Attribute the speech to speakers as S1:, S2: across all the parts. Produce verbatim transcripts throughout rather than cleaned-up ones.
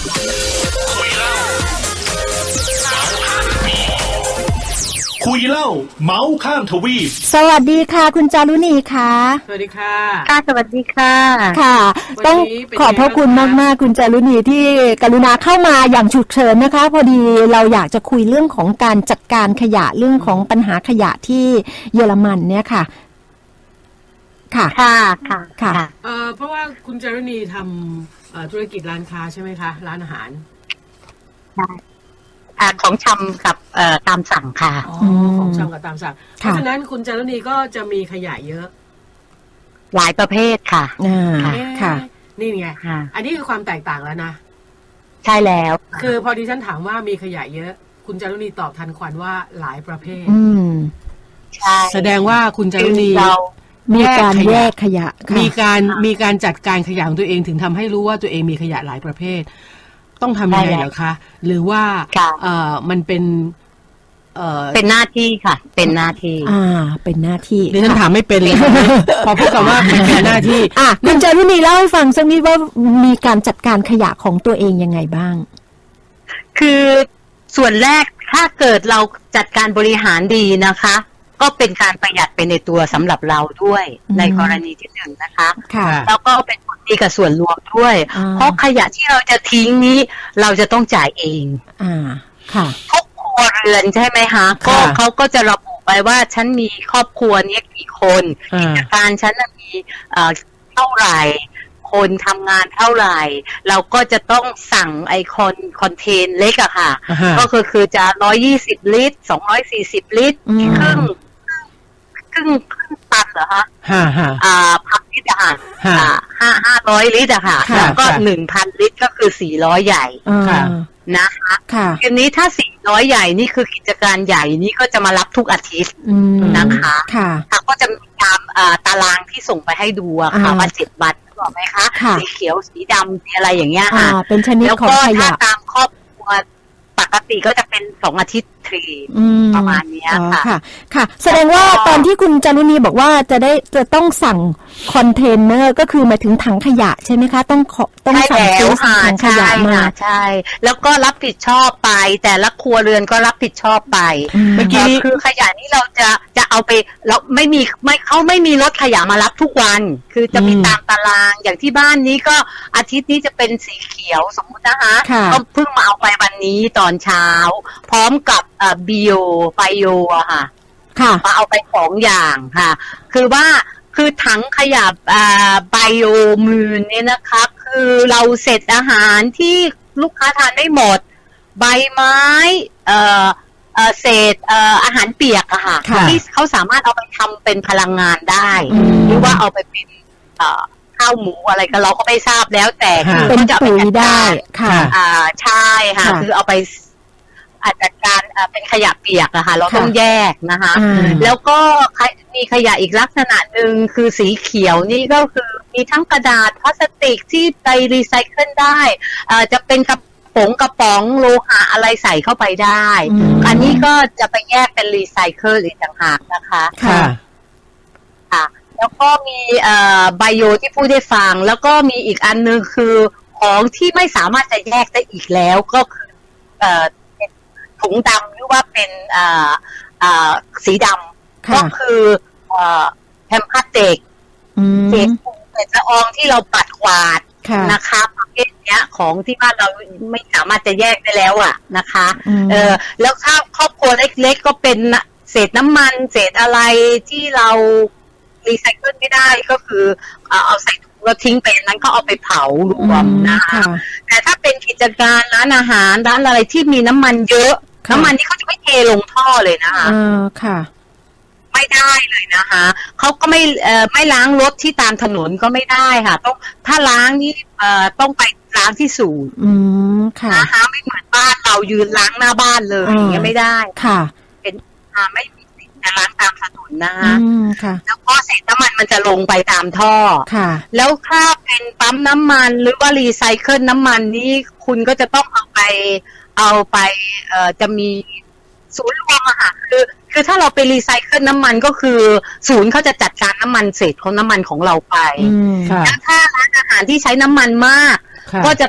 S1: คุยเล่าเมาส์ข้ามทวีป
S2: สวัสดีค่ะคุณจารุณีค่ะ
S3: สวัสดีค่ะ
S4: ค่ะสวัสดีค่ะ
S2: ค่ะต้องขอบพระคุณมากๆคุณจารุณีที่กรุณาเข้ามาอย่างฉุกเฉินนะคะพอดีเราอยากจะคุยเรื่องของการจัดการขยะเรื่องของปัญหาขยะที่เยอรมันเนี่ยค่ะค่ะ
S4: ค่ะค่ะ
S2: ค่ะ
S3: เอ่อเพราะว่าคุณจารุณีทำธุรกิจร้านค้าใช่ไหมคะร้านอาหาร
S4: ใช่ของชำกับตามสั่งค่ะ
S3: อ๋อของชำกับตามสั่งเพราะฉะนั้นคุณจารุณีก็จะมีขยะเยอะ
S4: หลายประเภทค่ะ
S2: อ่าค่ะ
S3: นี่ไงอันนี้คือความแตกต่างแล้วนะ
S4: ใช่แล้ว
S3: คือพอดีฉันถามว่ามีขยะเยอะคุณจารุณีตอบทันควันว่าหลายประเภท
S2: อืม
S4: ใช่
S3: แสดงว่าคุณจารุณี
S2: มีการแยกขยะ
S3: มีการมีการจัดการขยะของตัวเองถึงทำให้รู้ว่าตัวเองมีขยะหลายประเภทต้องทำยังไงเหรอคะหรือว่าเอ่อมันเป็นเอ่อ
S4: เป็นหน้าที่ค่ะเป็นหน้าที่
S2: อ่าเป็นหน้าที่
S3: ดิฉันถามไม่เป็นเลยพอพูดคำว่าเป็นหน้าที่
S2: อ่ะคุณจารุณีเล่าให้ฟังสักนิดว่ามีการจัดการขยะของตัวเองยังไงบ้าง
S4: คือส่วนแรกถ้าเกิดเราจัดการบริหารดีนะคะก็เป็นการประหยัดไปในตัวสำหรับเราด้วยในกรณีที่หนึ่งนะคะแล้วก็เป็นผลดีกับส่วนรวมด้วยเพราะขยะที่เราจะทิ้งนี้เราจะต้องจ่ายเอง
S2: อ่าค่ะ
S4: ทุกครัวเรือนใช่ไหมคะก็เขาก็จะระบุไปว่าฉันมีครอบครัวนี้กี่คนกิจการฉันมีเท่าไหร่คนทำงานเท่าไหร่เราก็จะต้องสั่งไอคอนคอนเทนเล็กอะค่ะก็คือคือจะร้อยยี่สิบลิตรสองร้อยสี่สิบลิตรครึ่งครึ่งครึ่งตันเหรอคะ
S3: ฮ่าฮ่า
S4: อ่าพักลิตรอะค่ะห้าห้าร้อยลิตรอะค่ะแล้วก็หนึ่งพันลิตรก็คือสี่ร้อยใหญ่นะคะทีนี้ถ้าสี่ร้อยใหญ่นี่คือกิจการใหญ่นี่ก็จะมารับทุกอาทิตย์นะคะค่ะก็จะมีตามตารางที่ส่งไปให้ดูอะค่ะว่าเจ็ดวันบอกไหมคะสีเขียวสีดำสีอะไรอย่างเงี้ยค่ะ
S2: เป็นชนิดของขยะ
S4: แล้วก็ถ้าตามครอบครัวปกติก็จะเป็นสองอาทิตย์ทรีประมาณนี้ค่ะ
S2: ค่ะค่ะแสดงว่าตอนที่คุณจารุณีบอกว่าจะได้จะต้องสั่งคอนเทนเนอร์ก็คือหมายถึงถังขยะใช่ไหมคะต้องต้องสั่งซื้อถังขยะมา
S4: ใช่แล้วก็รับผิดชอบไปแต่ละครัวเรือนก็รับผิดชอบไปเมื่อกี้คือขยะนี้เราจะจะเอาไปเราไม่มีไม่เขาไม่มีรถขยะมารับทุกวันคือจะมีตามตารางอย่างที่บ้านนี้ก็อาทิตย์นี้จะเป็นสีเขียวสมมุตินะคะก็เพิ่งมาเอาไปวันนี้ตอนเช้าพร้อมกับบิโอไบโออะค่ะมาเอาไปสองอย่างค่ะคือว่าคือถังขยะไบโอมูลเนี่ยนะคะคือเราเสร็จอาหารที่ลูกค้าทานได้หมดใบไม้เอ่อเศษอาหารเปียกอะค่ะที่เขาสามารถเอาไปทำเป็นพลังงานได้หรือว่าเอาไปเป็นข้าวหมูอะไรก็เราก็ไม่ทราบแล้วแต่คือ
S2: เป็นปุ๋ยได้ค่ะ
S4: อ่าใช่ค่ะคือเอาไปอาจจะการเป็นขยะเปียกอะค่ะเราต้องแยกนะคะแล้วก็มีขยะอีกลักษณะหนึ่งคือสีเขียวนี่ก็คือมีทั้งกระดาษพลาสติกที่ไปรีไซเคิลได้จะเป็นกระป๋องกระป๋องโลหะอะไรใส่เข้าไปได้อันนี้ก็จะไปแยกเป็นรีไซเคิลอีกต่างหากนะคะ
S3: ค่ะ
S4: ค่ะแล้วก็มีไบโอที่พูดได้ฟังแล้วก็มีอีกอันนึงคือของที่ไม่สามารถจะแยกได้อีกแล้วก็คือถุงดำหรือว่าเป็นสีดำก็คือแพมพาสเด็กเศษฝุ่นเศษละอองที่เราปัดกวาดนะคะประเภทเนี้ยของที่บ้านเราไม่สามารถจะแยกได้แล้วอ่ะนะคะเออแล้วถ้าครอบครัวเล็กๆก็เป็นเศษน้ำมันเศษอะไรที่เรารีไซเคิลไม่ได้ก็คือเอาใส่ถุงแล้วทิ้งไปนั้นก็เอาไปเผารวมนะคะแต่ถ้าเป็นกิจการร้านอาหารร้านอะไรที่มีน้ำมันเยอะน้ำมันที่เขาจะไม่เทลงท่อเลยนะคะ
S2: อ่าค่ะ
S4: ไม่ได้เลยนะคะเขาก็ไม่เอ่อไม่ล้างรถที่ตามถนนก็ไม่ได้ค่ะต้องถ้าล้างนี่เอ่อต้องไปล้างที่ศูนย์
S2: อืมค่ะ
S4: นะคะไม่เหมือนบ้านเรายืนล้างหน้าบ้านเลยอย่างเงี้ยไม่ได้
S2: ค่ะ
S4: เป็นอ่าไม่มีสิทธิ์จะล้างตามถนนนะคะ
S2: อืมค่ะ
S4: แล้วก็เศษน้ำมันมันจะลงไปตามท่อ
S2: ค่ะ
S4: แล้วถ้าเป็นปั๊มน้ำมันหรือว่ารีไซเคิลน้ำมันนี่คุณก็จะต้องเอาไปเอาไปเอ่อจะมีศูนย์รวมอะค่ะคือคือถ้าเราไปรีไซเคิลน้ำมันก็คือศูนย์เขาจะจัดการน้ำมันเศษของน้ำมันของเราไปแล้วถ้าร้านอาหารที่ใช้น้ำมันมากก็จะต้อง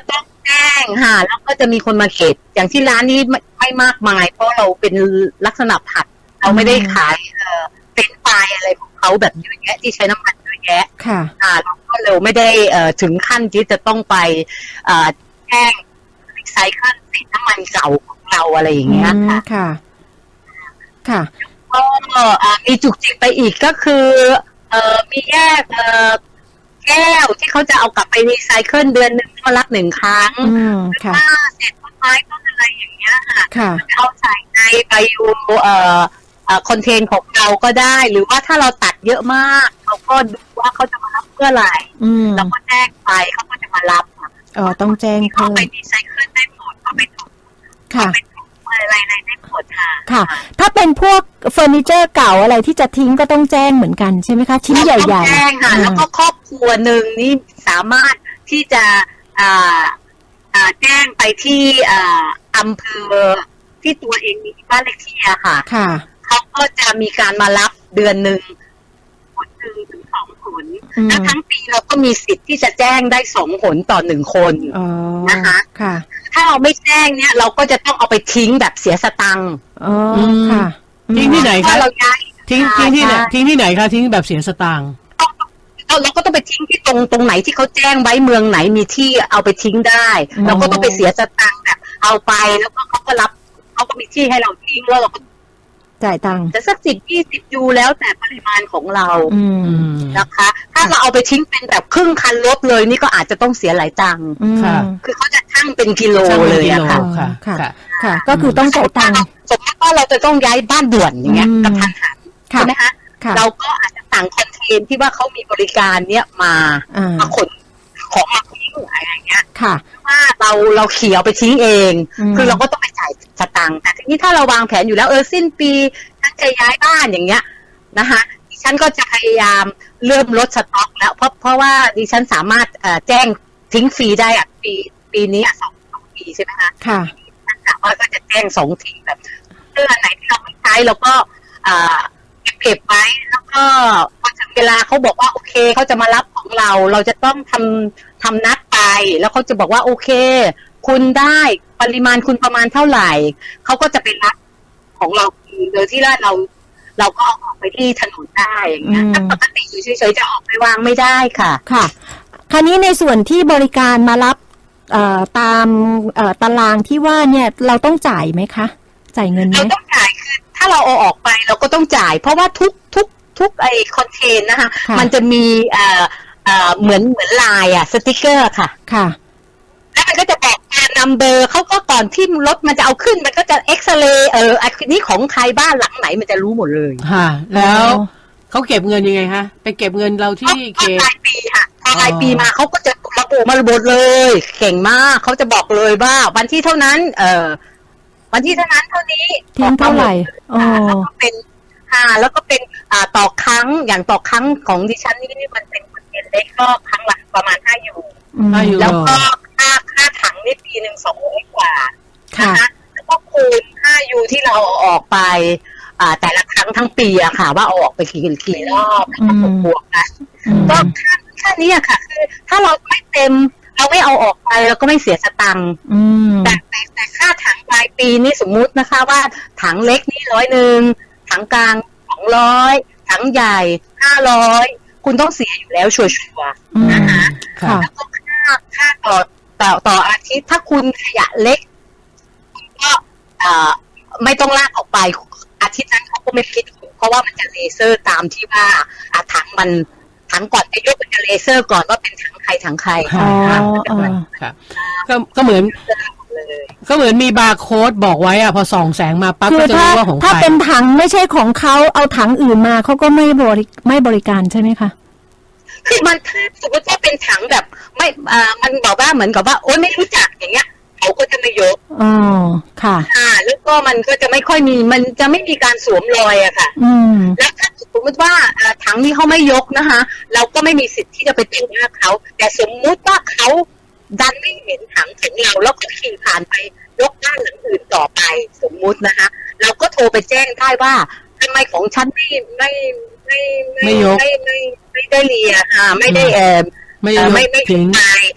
S4: แจ้งค่ะแล้วก็จะมีคนมาเก็บอย่างที่ร้านนี้ไม่ไม่มากมายเพราะเราเป็นลักษณะผัดเราไม่ได้ขายเอ่อเป็นไฟอะไรของเขาแบบเยอะแยะที่ใช้น้ำมันเยอะแยะ
S2: ค่ะ
S4: อ่าเราก็เราไม่ได้เอ่อถึงขั้นที่จะต้องไปเอ่อแจ้งรีไซเคิลสินน้ำมันเก่าของเราอะไรอย่างเงี้ยค่ะ
S2: ค่ะ ค่ะ
S4: ก็เอ่อมีจุกจิกไปอีกก็คือเอ่อมีแยกเอ่อแก้วที่เขาจะเอากลับไปรีไซเคิลเดือนหนึ่งมารับหนึ่งครั้ง
S2: อืม ค่ะ
S4: ถ้าเศษต้นไม้ต้นอะไรอย่างเงี้ยค่ะ
S2: ค่ะ
S4: จะเอาใส่ในไบโอเอ่อเอ่อคอนเทนของเราก็ได้ หรือว่าถ้าเราตัดเยอะมากเราก็ดูว่าเขาจะมารับเมื่อไหร่
S2: อืม
S4: เราก็แจ้งไปเขาก็จะมารับค่ะ
S2: อ๋อ ต้องแจ้ง
S4: เขา
S2: เพิ่ม
S4: ไปรีไซเคิลได้หมดเขาไปถูก
S2: ค่ะ
S4: ไปถูกอะไรอะไรได้หมดค่ะ
S2: ค่ะ ถ้าเป็นพวกเฟอร์นิเจอร์เก่าอะไรที่จะทิ้งก็ต้องแจ้งเหมือนกันใช่ไหมคะ ชิ้นใหญ่
S4: ต้อง
S2: ๆ
S4: แจ้งค่ะ
S2: อ่า
S4: แล้วก็ครอบครัวหนึ่งนี่สามารถที่จะอ่าอ่าแจ้งไปที่อ่าอำเภอที่ตัวเองมีบ้านเลขที่อะค่ะ
S2: ค่ะ
S4: เขาก็จะมีการมารับเดือนหนึ่งผลหนึ่งถึงสองผล
S2: อืม
S4: แล้วทั้งปีเราก็มีสิทธิ์ที่จะแจ้งได้สองผลต่อหนึ่งคน
S2: อ๋อ
S4: นะคะ
S2: ค่ะ
S4: ถ้าเราไม่แจ้งเนี่ยเราก็จะต้องเอาไปทิ้งแบบเสียสตังค์
S2: อ๋อ
S3: ม
S2: ค่ะ
S3: ทิ้งที่ไหน
S4: ถ้า
S3: คะ
S4: เราย้าย
S3: ทิ้งทิ้งที่ไหน
S4: ใช่
S3: ทิ้งที่ไหนคะทิ้งแบบเสียสตางค์
S4: เราเราก็ต้องไปทิ้งที่ตรงตรงไหนที่เขาแจ้งไว้เมืองไหนมีที่เอาไปทิ้งได้
S2: อ๋อ
S4: เราก็ต้องไปเสียสตังค์แบบเอาไปแล้วก็เขาก็รับเขาก็มีที่ให้เราทิ้งแล้วเราก็
S2: จ่ายตังค์
S4: จะสักสิบยี่สิบยูแล้วแต่ปริมาณของเรา
S2: อืม
S3: อืม
S4: นะคะ ถ้าเราเอาไปทิ้งเป็นแบบครึ่งคันรถเลยนี่ก็อาจจะต้องเสียหลายตังค์
S2: อืม
S3: ค่ะ
S4: คือเขาจะชั่งเป็นกิโล
S3: ช่าง
S4: เล
S3: เป็น
S4: ย
S3: กิ
S4: อะ
S3: โล
S4: ค่ะ
S3: ค่ะ
S2: ค่ะ
S3: ค่ะ
S2: ค่ะ ก็คือต้องจ่ายตังค์
S4: สมมติว่าเราจะต้องย้ายบ้านด่วนอย่างเงี้ย
S2: อืม
S4: กระทันหัน
S2: ค่ะ
S4: ใช่ไหมคะ
S2: ค่ะ
S4: เราก็อาจจะสั่งคอนเทนที่ว่าเขามีบริการเนี้ยมา
S2: อ่า
S4: มาขนของมาทิ้งอะไรอย่างเงี้ย
S2: ค่ะ
S4: ว่าเราเราเขียวไปทิ้งเอง
S2: อืม
S4: คือเราก็ต้องไปจ่ายสตังค์แต่ทีนี้ถ้าเราวางแผนอยู่แล้วเออสิ้นปีฉันจะย้ายบ้านอย่างเงี้ยนะคะดิฉันก็จะพยายามเริ่มลดสต็อกแล้วเพราะเพราะว่าดิฉันสามารถเอ่อแจ้งทิ้งฟรีได้อะปีปีนี้อะสองสองปีใช่ไหมคะ
S2: ค่ะ
S4: ฉันสามารถก็จะแจ้งสองทีแบบเสื้อไหนที่เราไม่ใช้เราก็อ่าเก็บไว้แล้วก็พอถึงเวลาเขาบอกว่าโอเคเขาจะมารับของเรา เราจะต้องทำทำนัดไปแล้วเขาจะบอกว่าโอเค คุณได้ปริมาณคุณประมาณเท่าไหร่เขาก็จะไปรับของเราโดยที่ว่าเรา เราก็เอาออกไปที่ถนนได้อย่างเงี้ย
S2: อืม
S4: ถ้าปกติอยู่เฉยๆจะออกไปวางไม่ได้ค่ะ
S2: ค่ะ คราวนี้ในส่วนที่บริการมารับเอ่อตามเอ่อตารางที่ว่าเนี่ยเราต้องจ่ายไหมคะ จ่ายเงินไหม
S4: เราต้องจ่ายคือถ้าเราเอาออกไปเราก็ต้องจ่าย เพราะว่าทุกทุกทุกไอคอนเทนนะคะ
S2: ค่ะ
S4: มันจะมีเอ่อเอ่อเหมือนเหมือนลายอะสติกเกอร์ค่ะ
S2: ค่ะ
S4: แล้วมันก็จะบอกการนัมเบอร์เขาก็ก่อนที่รถมันจะเอาขึ้นมันก็จะเอ็กซเรย์เอออันนี้ของใครบ้านหลังไหนมันจะรู้หมดเลย
S3: ค่ะ แล้ว
S2: อ๋อ
S3: เขาเก็บเงินยังไงคะไปเก็บเงินเราที่
S4: ก็
S3: เขต
S4: รายปีค่ะพอราย
S3: อ๋อ
S4: ปีมาเขาก็จะระบุมาระบุเลยเก่งมากเขาจะบอกเลยว่าวันที่เท่านั้น เออวันที่เท่านั้นเท่านี้
S2: ทิ้งเท่าไหร่อ๋อ
S4: แล้วก็เป็นค่ะแล้วก็เป็นอ่าต่อครั้งอย่างต่อครั้งของดิฉันนี่มันเป็นคนเล็กก็ครั้งละประมาณห้ายู
S2: อืม
S3: ห้ายู
S4: แล้วก็ค่าค่าถังนี่ปีหนึ่งสองร้อยกว่า
S2: ค่ะ
S4: นะคะแล้วก็คูณห้ายูที่เราเอาออกไป อ่า แต่ละครั้งทั้งปีอะค่ะ ว่าเอาออกไปกี่กี่รอบแล้วก็บวกๆกัน
S2: อืม
S4: ก็ค่าค่านี้อะค่ะ คือ ถ้าเราไม่เต็ม เราไม่เอาออกไปเราก็ไม่เสียสตังค์
S2: อืม
S4: แต่แต่แต่ค่าถังรายปีนี่สมมุตินะคะ ว่าถังเล็กนี่ร้อยหนึ่งถังกลางสองร้อยถังใหญ่ห้าร้อยคุณต้องเสียอยู่แล้วชัวร์ๆ
S2: อืม
S4: นะคะ
S2: ค่ะ
S4: แล้วก็ค่าค่าต่อต่อต่ออาทิตย์ถ้าคุณขยะเล็กคุณก็เอ่อไม่ต้องลากออกไปอาทิตย์นั้นเขาก็ไม่คิดเพราะว่ามันจะเลเซอร์ตามที่ว่าอ่ะถังมันถังก่อนจะยกมันจะเลเซอร์ก่อนว่าเป็นถังใครถังใคร
S2: อ๋อ
S4: นะคะ
S2: อ๋อ
S3: ค่ะก็ก็เหมือน
S4: เลย
S3: ก็เหมือนมีบาร์โค้ดบอกไว้อะพอส่องแสงมาปั๊บ
S2: คื
S3: ก็
S2: อ
S3: จะ
S2: ถ้า
S3: รู้ว่าของใค
S2: ถ้าร เป็นถังไม่ใช่ของเขาเอาถังอื่นมาเขาก็ไม่บริไม่บริการใช่ไหมคะ
S4: คือมันถ้าสมมติว่าเป็นถังแบบไม่อ่ามันบอกว่าเหมือนกับว่าโอ๊ยไม่รู้จักอย่างเงี้ยเขาก็จะไม่ยก
S2: อ๋อ ค่ะ
S4: อ่าแล้วก็มันก็จะไม่ค่อยมีมันจะไม่มีการสวมรอยอะค่ะ
S2: อืม
S4: แล้วถ้าสมมติว่าเอ่อถังนี้เขาไม่ยกนะคะ เราก็ไม่มีสิทธิ์ที่จะไปแต่งหน้าเขาแต่สมมุติว่าเขาดันไม่เห็นถังถึงเราแล้วก็ขี่ผ่านไปยกด้านหลังอื่นต่อไปสมมุตินะคะ เราก็โทรไปแจ้งได้ว่าทำไมของฉันไม่ไม่ไม่
S3: ไม่ยก
S4: ไม่ไม่ไม่ได้เลียค่ะไม่ได้เออ
S3: ไม่
S4: เอ่
S3: ย
S4: อก ไม่ไม่
S3: ทิ้ง
S4: ไปค่ะ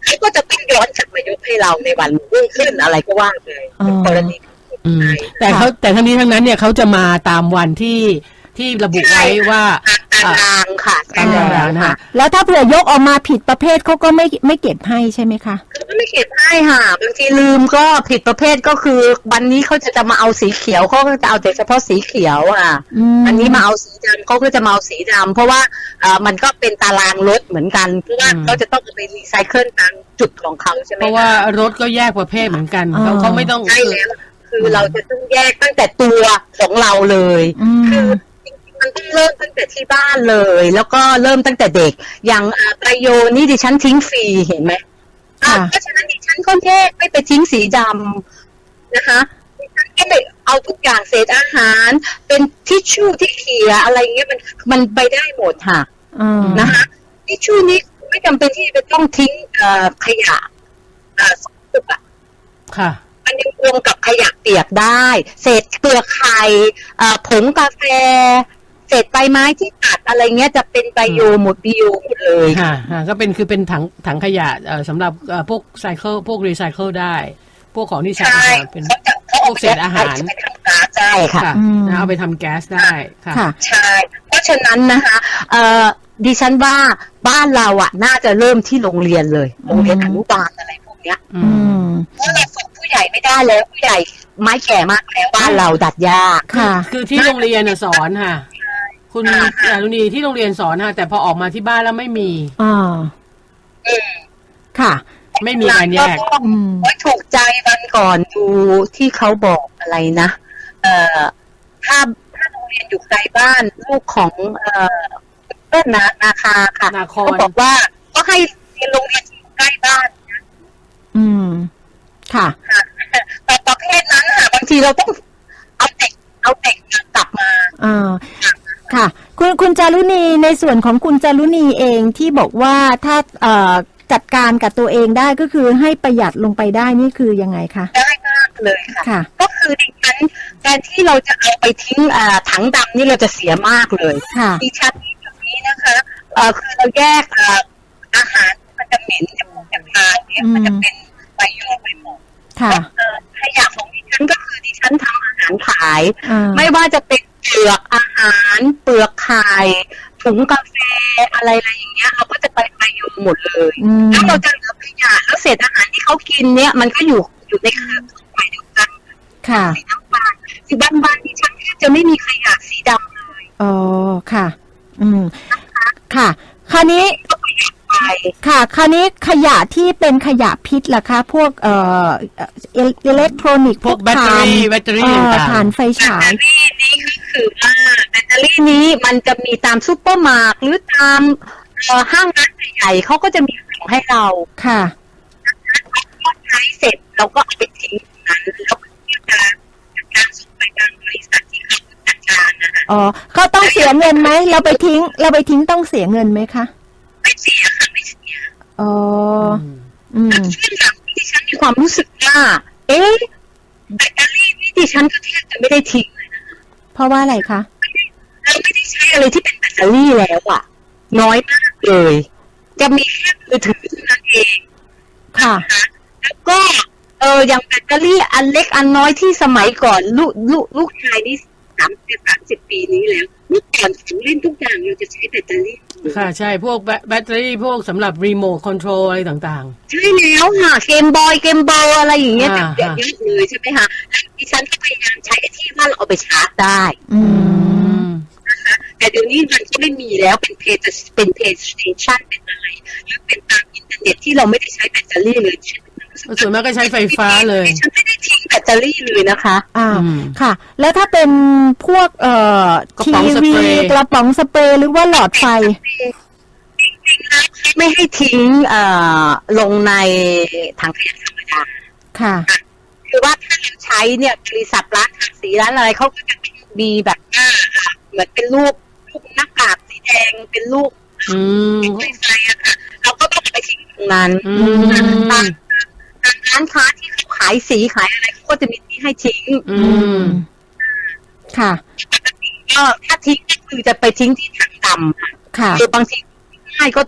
S4: เขาก็จะต้องย้อนกลับมายกให้เราในวันรุ่งขึ้นอะไรก็ว่าไปกรณี
S3: อืมแต่เขาแต่ทั้งนี้ทั้งนั้นเนี่ยเขาจะมาตามวันที่ที่ระบุไว้ว่า
S4: ตารางค่ะ
S3: ตามตารางนะคะ
S2: แล้วถ้าเผื่อยกออกมาผิดประเภทเขาก็ไม่ไม่เก็บให้ใช่ไหมคะ
S4: เขาก็ไม่เก็บให้ค่ะบางทีลืมก็ผิดประเภทก็คือวันนี้เขาจะจะมาเอาสีเขียวเขาก็จะเอาแต่เฉพาะสีเขียวอ่ะ
S2: อืม
S4: อันนี้มาเอาสีดำเขาก็จะมาเอาสีดำเพราะว่าเอ่อมันก็เป็นตารางรถเหมือนกันเพราะว่าเขาจะต้องเอาไปรีไซเคิลตามจุดของเขาใช่ไหม
S3: เพราะว่ารถก็แยกประเภทเหมือนกันเขาเขาไม่ต้อง
S4: ใช่แล้วคือเราจะต้องแยกตั้งแต่ตัวของเราเลย
S2: อืม
S4: คือจริงๆมันต้องเริ่มตั้งแต่ที่บ้านเลย แล้วก็เริ่มตั้งแต่เด็กอย่างอ่าประโยชน์นี่ดิฉันทิ้งฟรีเห็นไหมอ่ะ
S2: ค่ะ
S4: เพราะฉะนั้นดิฉันก็แยกไม่ไปทิ้งสีดำนะคะดิฉันก็ไปเอาทุกอย่างเศษอาหาร เป็นทิชชู่ที่เขียอะไรเงี้ยมันมันไปได้หมดค่ะ
S2: อืม
S4: นะคะทิชชู่นี้ไม่จำเป็นที่จะต้องทิ้งเอ่อขยะเอ่อสกปรกอะ
S3: ค่ะ
S4: มันยังรวมกับขยะเปียกได้ เศษเปลือกไข่เอ่อผงกาแฟ เศษใบไม้ที่ตัดอะไรเงี้ยจะเป็นไบโอหมดบิโอหมดเลย
S3: ค่ะค่ะก็เป็นคือเป็นถังถังขยะเอ่อสำหรับเอ่อพวกไซเคิลพวกรีไซเคิลได้ พวกของที่ใช้
S4: ใช่
S3: เป็น
S4: เขาจะเขา
S3: พวกเศษอาหาร
S4: ไปทำก๊าซได้ค่ะ
S3: ค่ะ
S2: อืม
S3: นะเอาไปทำแก๊สได้ค่ะ
S2: ค่ะ
S4: ใช่ เพราะฉะนั้นนะคะเอ่อดิฉันว่าบ้านเราอ่ะ น่าจะเริ่มที่โรงเรียนเลย โรงเรียนอนุบาลอะไรพวกเนี้ย
S3: อื
S2: อื
S3: ม
S2: ม
S4: เพราะเราฝึกผู้ใหญ่ไม่ได้แล้วผู้ใหญ่ไม้แก่มากแล้วบ้านเราดัดยาก
S2: ค่ะ
S3: คือที่โรงเรียนน่ะสอนค่ะ คุณอรุณีที่โรงเรียนสอนค่ะ แต่พอออกมาที่บ้านแล้วไม่มี
S2: อ่า
S4: อืม
S2: ค่ะ
S3: ไม่มีการแยก
S4: ล้ว
S2: อืม
S4: โอ้ยถูกใจวันก่อนดูที่เขาบอกอะไรนะ เอ่อถ้าถ้าโรงเรียนอยู่ไกลบ้านลูกของเอ่อเพื่อนนานาคาค่ะ
S3: นาคร
S4: เขาบอกว่าก็ให้เรียนโรงเรียนที่อยู่ใกล้บ้าน
S2: อืม ค่ะ
S4: ค่ะแต่ประเภทนั้นค่ะบางทีเราต้องเอาเด็กเอาเด็กกลับมา
S2: อ่า ค่ะ คุณคุณจารุณีในส่วนของคุณจารุณีเองที่บอกว่าถ้าเอ่อจัดการกับตัวเองได้ก็คือให้ประหยัดลงไปได้นี่คือยังไงคะ
S4: ได้มากเลยค่ะ
S2: ค่ะ
S4: ก็คือดิฉันแทนที่เราจะเอาไปทิ้งอ่าถังดำนี่เราจะเสียมากเลย
S2: ค่ะ
S4: ดิฉันที่ตรงนี้นะคะเอ่อคือเราแยกอ่าอาหารมันจะเหม็นจะมูกจะทานเนี่ย
S2: อืม
S4: มันจะเป็นไบโอไปหมด
S2: ค่ะ
S4: เอ่อขยะของดิฉันก็คือดิฉันทำอาหารขาย
S2: อ่า
S4: ไม่ว่าจะเป็นเปลือกอาหาร เปลือกไข่ถุงกาแฟอะไรอะไรอย่างเงี้ยเราก็จะไปไบโอหมดเลย
S2: อืม
S4: แล้วเราจะเหลือขยะแล้วเศษอาหารที่เขากินเนี่ยมันก็อยู่อยู่ในเครือข่ายเดียวกัน
S2: ค่ะ
S4: สีน้ำตาลสีบ้านบ้านดิฉันแทบจะไม่มีขยะสีดำเลย
S2: อ๋อ ค่ะ อืม ค่ะ คราวนี้
S4: ไป
S2: ค่ะ คราวนี้ขยะที่เป็นขยะพิษล่ะคะ พวกเอ่อเอ่ออิเล็กทรอนิกส์
S3: พวกแบตเตอรี่แบตเตอรี่
S2: เอ่อ
S3: ต่างๆ
S2: ถ่านไฟ
S4: แบต
S2: ฉา
S4: เต
S2: ย
S4: อรี่นี้ก็คือว่าแบตเตอรี่นี้มันจะมีตามซูเปอร์มาร์ทหรือตามเอ่อห้างร้านใหญ่ๆเขาก็จะมีของให้เรา
S2: ค่ะ
S4: พอใช้เสร็จเราก็เอาไปทิ้งตรงนั้นแล้วก็จะจัดการส่งไปทางบริษัทที่เขาจัดการนะคะ
S2: อ๋อเขาต้องเสียเงินไหม เราไปทิ้ง เราไปทิ้งต้องเสียเงินไหมคะ
S4: ไม่เสียค่ะไม่เสีย
S2: อ๋อ อืม
S4: ซึ่งอย่างที่ดิฉันมีความรู้สึกว่า เอ๊ะแบตเตอรี่นี่ดิฉันก็แทบจะไม่ได้ทิ้งเลยนะ
S2: เพราะว่าอะไรคะ
S4: เราไม่ได้ใช้อะไรที่เป็นแบตเตอรี่แล้วอะน้อยมากเลย จะมีแค่มือถือเท่านั้นเอง
S2: ค่ะ
S4: นะคะแล้วก็เอออย่างแบตเตอรี่อันเล็กอันน้อยที่สมัยก่อนลูกลูกลูกชายนี่สามสิบสามสิบปีนี้แล้วเมื่อก่อนของเล่นทุกอย่างเราจะใช้แบตเตอรี่
S3: ค่ะใช่พวกแบแบตเตอรี่พวกสำหรับรีโมทคอนโทรลอะไรต่าง
S4: ใช่แล้วค่ะเกมบอยเกมบอลอะไรอย่างเงี้ย
S3: อ่า
S4: เยอะๆเลยใช่ไหมคะแล้วดิฉันก็พยายามใช้ไอ้ที่ว่าเราเอาไปชาร์จได้
S2: อื
S3: ๆ
S2: ม
S3: อืม
S4: แต่เดี๋ยวนี้มันก็ไม่มีแล้วเป็นเพจเป็นเพจสเตชันเป็นอะไรหรือเป็นตามอินเทอร์เน็ตที่เราไม่ได้ใช้แบตเตอรี่เลยฉันรู้สึก
S3: ส่วนมากก็ใช้ไฟฟ้าเลย
S4: ฉันไม่ได้ทิ้งแบตเตอรี่เลยนะคะ
S2: อ่า
S3: อืม
S2: ค่ะ แล้วถ้าเป็นพวกเอ่อก
S3: ระ
S2: ที
S3: ป๋องส
S2: วี
S3: เปรย์
S2: กระป๋องสเปรย์หรือว่าหลอดไฟ
S4: จริงๆแล้วไม่ให้ทิ้งเอ่อลงในถังขยะธรรมดา
S2: ค่ะ
S4: คือว่าถ้าเราใช้เนี่ยบริษัทร้านทาสีร้านอะไรเขาก็จะมีแบบว่าเหมือนเป็นรูปรูปหน้ากากสีแดงเป็นรูป
S3: อืม
S4: ไฟไฟอะค่ะเราก็ต้องไปทิ้งตรงนั้น
S3: อืม
S4: ตามตามร้านค้าที่เขาขายสีขายอะไรเขาก็จะมีที่ให้ทิ้ง
S3: อืม
S2: ค่ะ
S4: ปกติก็ถ้าทิ้งก็คือจะไปทิ้งที่ถังดำค่ะ
S2: ค่ะ
S4: คือบางทีง่ายก็ทิ้งอ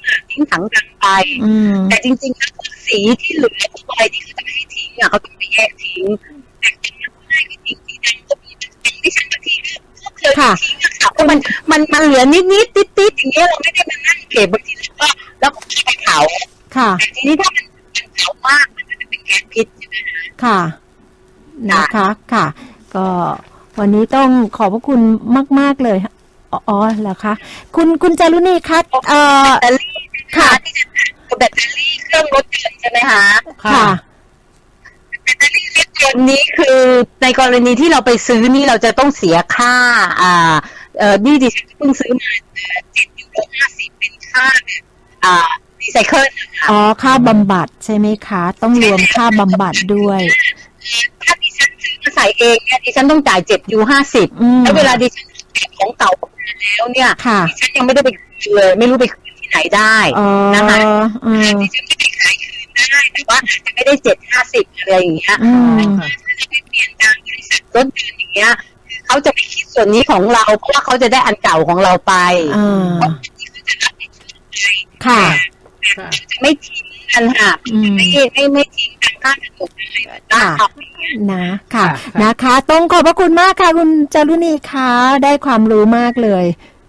S4: ทิ้งถังดังไป
S2: อืม
S4: แต่จริงๆแล้วพวกสีที่เหลือพวกอะไรที่เขาจะไม่ให้ทิ้งอ่ะเขาต้องไปแยกทิ้งแต่ที่เขาให้ไม่ทิ้งสีดำก็มีเป็นที่ฉันบางทีก็เคยทิ้งอะค่ะเพราะมันมันมันเหลือนิดนิดติดติดอย่างเงี้ยเราไม่ได้มานั่งเก็บบางทีเราก็แล้วก็ไปเผา
S2: ค่ะ
S4: แต่ทีนี้ถ้ามันมันเผามากมันก็จะเป็นแก๊สพิษใช่ไหมคะ
S2: ค่ะนะคะค่ะ ก็วันนี้ต้องขอบพระคุณมากๆเลยอ๋ออ๋อเหรอคะคุณคุณจารุณีคะเอ่อ
S4: แบตเตอรี่ค่ะที่จะแบตเตอรี่เครื่องรถยนต์ใช่ไหมคะ
S2: ค่ะ
S4: แบตเตอรี่รถยนต์นี้คือในกรณีที่เราไปซื้อนี่เราจะต้องเสียค่าอ่าเอ่อนี่ดิฉันเพิ่งซื้อมาเจ็ดยูโรห้าสิบเป็นค่าแบบอ่ารีไซเคิลนะคะ
S2: อ๋อค่าบำบัดใช่ไหมคะ ต้องรวมค่าบำบัดด้วย
S4: ถ้าดิฉันซื้อมาใส่เองเนี่ยดิฉันต้องจ่ายเจ็ดยูห้าสิบ
S2: อืม
S4: แล้วเวลาดิฉันเก็บของเก่ามาแล้วเนี่ย
S2: ค่ะ
S4: ดิฉันยังไม่ได้ไปคืนเลยไม่รู้ไปคืนที่ไหนได้
S2: อ๋อ
S4: นะคะ
S2: อืม
S4: ดิฉันไม่ไปขายคืนได้แต่ว่าจะไม่ได้เจ็ดห้าสิบอะไรอย่างเงี้ย
S2: อืม
S4: ถ้าจะไปเปลี่ยนทางบริษัทรถยนต์อย่างเงี้ยคือเขาจะไม่คิดส่วนนี้ของเราเพราะว่าเขาจะได้อันเก่าของเราไป
S2: อ่า
S4: เพราะที่เขาจะรับผิดชอบไป
S2: ค่ะ
S3: ค่ะ
S4: จะไม่ทิ้งกันค่ะ
S2: อืม
S4: ไม่ไม่ไม่ทิ้งกันข้างถนนอะไรแบบนั้น
S2: ค่ะ นะค่ะ นะคะ ต้องขอบพระคุณมากค่ะ คุณจารุณีคะได้ความรู้มากเลย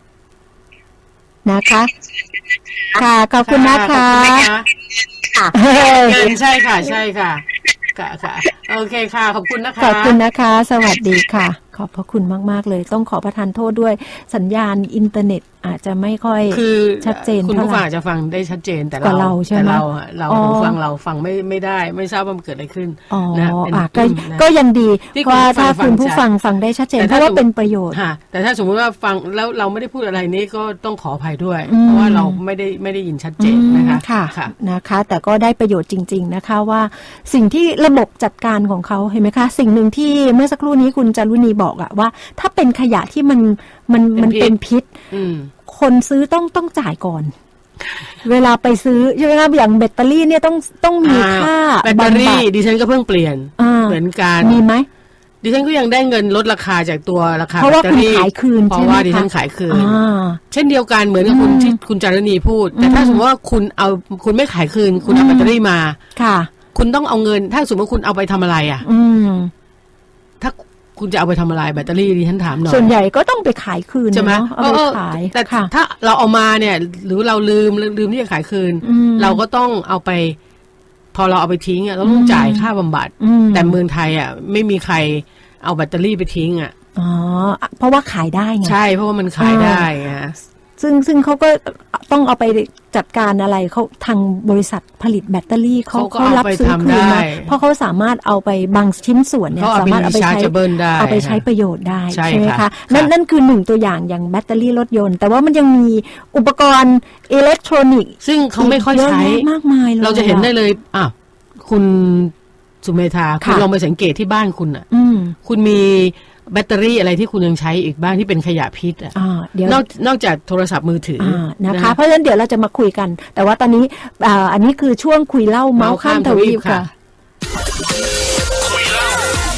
S2: นะคะ ค่ะ ขอบคุณนะคะ
S3: ขอบคุณนะคะ
S4: ค่ะ
S2: เฮ้ย
S3: เงินใช่ค่ะ ใช่ค่ะค่ะค่ะโอเคค่ะ ขอบคุณนะคะ
S2: ขอบคุณนะคะ สวัสดีค่ะ ขอบพระคุณมากๆเลย ต้องขอประทานโทษด้วยสัญญาณอินเทอร์เน็ตอาจจะไม่ค่อย
S3: คือ
S2: ชัดเจน
S3: คุณผู้
S2: เท่าไหร่
S3: ฟังอาจจะฟังได้ชัดเจนแต่
S2: กว่าเราใช่ไหม
S3: แต่เราอะเรา
S2: อ๋อ
S3: หูฟังเราฟังไม่ไม่ได้ ไม่ทราบว่ามันเกิดอะไรขึ้น
S2: อ๋อ
S3: นะเป็น
S2: อ่ะก็
S3: อืมนะ
S2: ก็ยังดี
S3: ที่
S2: ว่า
S3: คุณผู้ฟัง
S2: ถ้าคุณ
S3: ฟัง
S2: ผู้
S3: ชัด
S2: ฟังฟังได้ชัดเจน
S3: แต่
S2: เพ
S3: ถ้า
S2: ราะว่า
S3: สมมุติ
S2: เป็นประโยชน์
S3: ค่ะแต่ถ้าสมมุติว่าฟังแล้วเราไม่ได้พูดอะไรนี้ก็ต้องขออภัยด้วย
S2: อืม
S3: เพราะว่าเราไม่ได้ไม่ได้ยินชัดเจนนะคะ
S2: อืมค่ะ
S3: ค่ะ
S2: นะคะ แต่ก็ได้ประโยชน์จริง ๆนะคะว่าสิ่งที่ระบบจัดการของเขาเห็นไหมคะ สิ่งหนึ่งที่เมื่อสักครู่นี้คุณจารุณีบอกอะว่า ถ้าเป็นขยะที่มันมันมัน
S3: เป็
S2: เป็น
S3: นพิษ
S2: พิษ
S3: อืม
S2: คนซื้อต้องต้องจ่ายก่อน เวลาไปซื้อใช่ไหมคะอย่างแบตเตอรี่เนี่ยต้องต้องมีค่า
S3: แบตเตอ
S2: บำบั
S3: รี่
S2: ด
S3: ดิฉันก็เพิ่งเปลี่ยน
S2: อ่า
S3: เหมือนกัน
S2: มีไหม
S3: ดิฉันก็ยังได้เงินลดราคาจากตัวราคา
S2: เพราะว่า
S3: แบตเตอรี่
S2: คุณขายคืน
S3: เพ
S2: ใช่
S3: ราะ
S2: ไหม
S3: ว่าดิฉั
S2: คะ
S3: นขายคืน
S2: อ่า
S3: เช่นเดียวกันเหมือนกับคุณ
S2: อืม
S3: ที่คุณจารณีพูด แต่ถ้า
S2: อืม
S3: สมมติว่าคุณเอาคุณไม่ขายคืน คุณเอา
S2: อืม
S3: แบตเตอรี่มา
S2: ค่ะ
S3: คุณต้องเอาเงิน ถ้าสมมติว่าคุณเอาไปทำอะไรอ่ะ
S2: อืม
S3: ถ้าคุณจะเอาไปทำอะไรแบตเตอรี่ดิฉันถามหน่อย
S2: ส่วนใหญ่ก็ต้องไปขายคืน
S3: ใช่ไหม
S2: เนาะเอาไป
S3: เออ
S2: ขาย
S3: แต่
S2: ค่ะ
S3: ถ้าเราเอามาเนี่ย หรือเราลืมลืมที่จะขายคืน
S2: อืม
S3: เราก็ต้องเอาไป พอเราเอาไปทิ้งอ่ะเราต้องจ่ายค่าบำบัด
S2: อืม
S3: แต่เมืองไทยอ่ะไม่มีใครเอาแบตเตอรี่ไปทิ้งอ่ะ
S2: อ๋อเพราะว่าขายได้ไง
S3: ใช่เพราะว่ามันขายได้ไง
S2: ซึ่งซึ่งเขาก็ต้องเอาไปจัดการอะไรเขาทางบริษัทผลิตแบตเตอรี่เขา
S3: เขาก็
S2: เขารับ
S3: เอาไป
S2: ซื้อ
S3: ทำ
S2: คืน
S3: ได้
S2: มาเพราะเขาสามารถเอาไปบางชิ้นส่วนเนี่ย
S3: เขาเอา
S2: สา
S3: ไป
S2: มารถเอาไปใช้
S3: rechargeable ได้
S2: เอาไปใช้ประโยชน์ได้
S3: ใช่
S2: ใช่ไหม
S3: ค่ะ
S2: คะนั่น
S3: ค่ะ
S2: นั่นคือหนึ่งตัวอย่างอย่างแบตเตอรี่รถยนต์ แต่ว่ามันยังมีอุปกรณ์อิเล็กทรอนิกส์
S3: ซึ่งเขาไม่ค่อย
S2: เยอะ
S3: ใช้
S2: แยะมากมายเลย
S3: เราจะเห็นได้เลยอ่ะคุณสุเมธาคุณ
S2: ค่ะ
S3: ลองไปสังเกตที่บ้านคุณอ่ะ
S2: อืม
S3: คุณมีแบตเตอรี่อะไรที่คุณยังใช้อีกบ้างที่เป็นขยะพิษอ่ะ
S2: อ่าเดี๋ยว
S3: นอกนอกจากโทรศัพท์มือถือ
S2: อ่านะคะ
S3: นะ
S2: เพราะฉะนั้นเดี๋ยวเราจะมาคุยกัน แต่ว่าตอนนี้อ่าอันนี้คือช่วงคุยเล่าเมาส์ข้ามทวีปค่ะ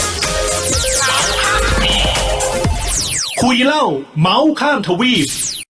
S1: คุยเล่าเมาส์ข้ามทวีป